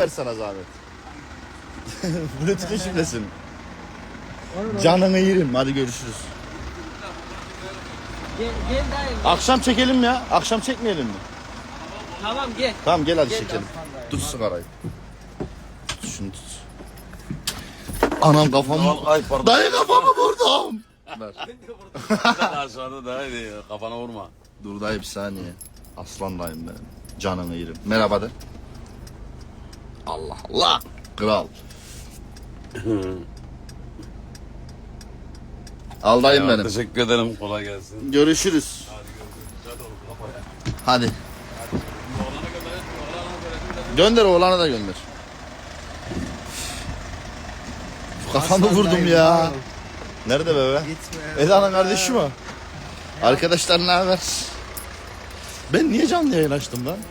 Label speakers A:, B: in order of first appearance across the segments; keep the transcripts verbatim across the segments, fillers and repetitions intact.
A: ver sana zahmet. Bluetooth'u şifresin. Canını yerim. Hadi görüşürüz.
B: Gel, gel dayım.
A: Akşam çekelim ya. Akşam çekmeyelim mi?
B: Tamam gel.
A: Tamam gel hadi
B: Gel
A: çekelim.
B: Aslan
A: Tut sigarayı. Tut şunu tut. Anam kafamı...
C: Ay pardon.
A: Dayı kafamı vurdum. Ver.
C: Aşağıda daha iyi ya. Kafana vurma.
A: Dur dayı bir saniye. Aslan dayım benim. Canını yerim. Merhaba de. Allah Allah. Kral. Al dayım
C: Ya,
A: benim.
C: teşekkür ederim. Kolay gelsin.
A: Görüşürüz. Hadi. Gönder oğlanı da gönder. Kafamı
B: Aslan
A: vurdum
B: dayım,
A: ya.
B: var ol.
A: Nerede bebe?
B: Gitme.
A: Eda'nın kardeşi mi? Arkadaşlar ne haber? Ben niye canlı yayın açtım lan?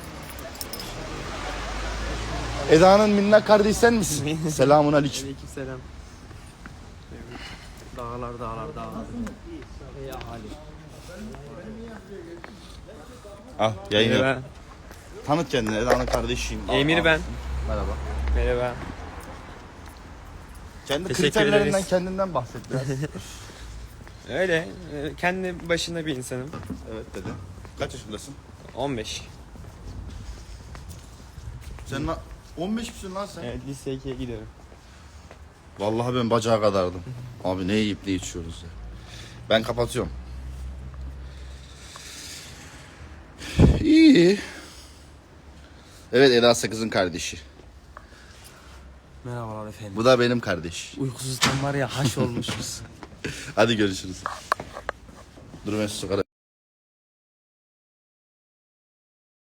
A: Eda'nın minnak kardeşi sen misin? Selamun aleyküm.
B: Aleykümselam. Dağlar dağlar dağlar. Ya Ali.
A: Al yayın yap.
D: Merhaba.
A: Tanıt kendini, Eda'nın kardeşiyim. Al,
D: Emir
A: al.
D: ben.
A: Merhaba.
D: Merhaba.
A: Kendi
D: Teşekkür
A: kriterlerinden
D: ederiz.
A: kendinden bahset biraz.
D: Öyle. e, Kendi başına bir insanım.
A: Evet dedi. Kaç yaşındasın?
D: on beş.
A: Sen la- on beş misin lan sen?
D: Evet, lise ikiye gidiyorum.
A: Vallahi ben bacağa kadardım. Abi ne yiyip ne içiyoruz ya. Ben kapatıyorum. İyi. Evet Eda Sakız'ın kardeşi.
B: Merhabalar efendim.
A: Bu da benim kardeş.
B: Uykusuzdan var ya haş olmuşuz.
A: Hadi görüşürüz. Dur ben şu sigara